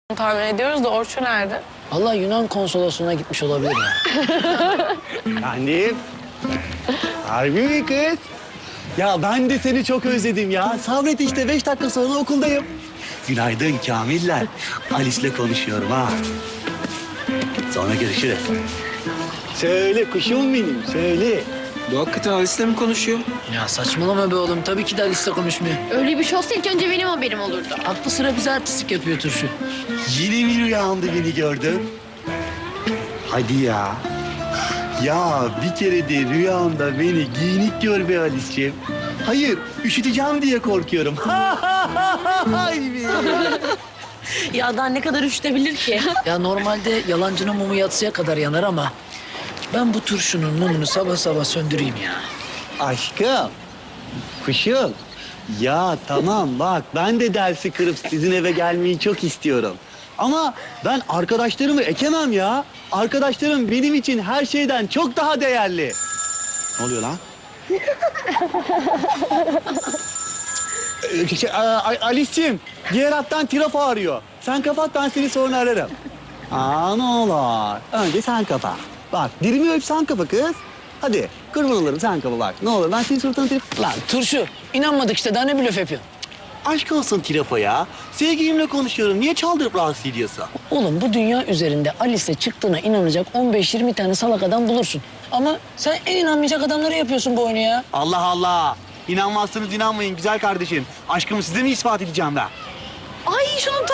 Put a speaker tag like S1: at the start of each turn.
S1: tahmin ediyoruz da Orçun nerede?
S2: Allah Yunan konsolosluğuna gitmiş olabilir ya.
S3: Annem. Harbi mi kız? Ya ben de seni çok özledim ya. Sabret işte 5 dakika sonra okuldayım. Günaydın Kamiller. Alice'le konuşuyorum ha. Sonra görüşürüz. Söyle kuşum benim, söyle.
S4: Bu hakikaten Alice'le mi konuşuyor?
S2: Ya saçmalama be oğlum. Tabii ki de Alice'le konuşmuyor.
S5: Öyle bir şey olsa ilk önce benim haberim olurdu.
S2: Aklı sıra bize artistik yapıyor turşu.
S3: Yine bir rüyamda beni gördün. Hadi ya. Ya bir kere de rüyamda beni giyinik gör be Alice'ciğim. Hayır, üşüteceğim diye korkuyorum. Hay be.
S1: Ya daha ne kadar üşütebilir ki?
S2: Ya normalde yalancının mumu yatsıya kadar yanar ama... ben bu turşunun mumunu sabah sabah söndüreyim ya.
S3: Aşkım, kuşum. Ya tamam bak ben de dersi kırıp sizin eve gelmeyi çok istiyorum. Ama ben arkadaşlarımı ekemem ya. Arkadaşlarım benim için her şeyden çok daha değerli. Ne oluyor lan? Alice'ciğim, diğer hattan trafo arıyor. Sen kapat, ben seni sonra ararım. Ne olur. Önce sen kapa. Bak, dilimi öp sen kapa kız. Hadi, kurban olurum sen kapa bak. Ne olur, ben senin suratına trafo...
S2: Lan turşu, inanmadık işte. Daha ne blöf yapıyorsun?
S3: Aşk olsun trafo ya. Sevgilimle konuşuyorum. Niye çaldırıp rahatsız ediyorsun?
S2: Oğlum bu dünya üzerinde Alice'le çıktığına inanacak 15-20 tane salak adam bulursun. Ama sen en inanmayacak adamları yapıyorsun bu oyunu ya.
S3: Allah Allah. İnanmazsanız inanmayın güzel kardeşim. Aşkımı size mi ispat edeceğim ben?
S1: Ay şunun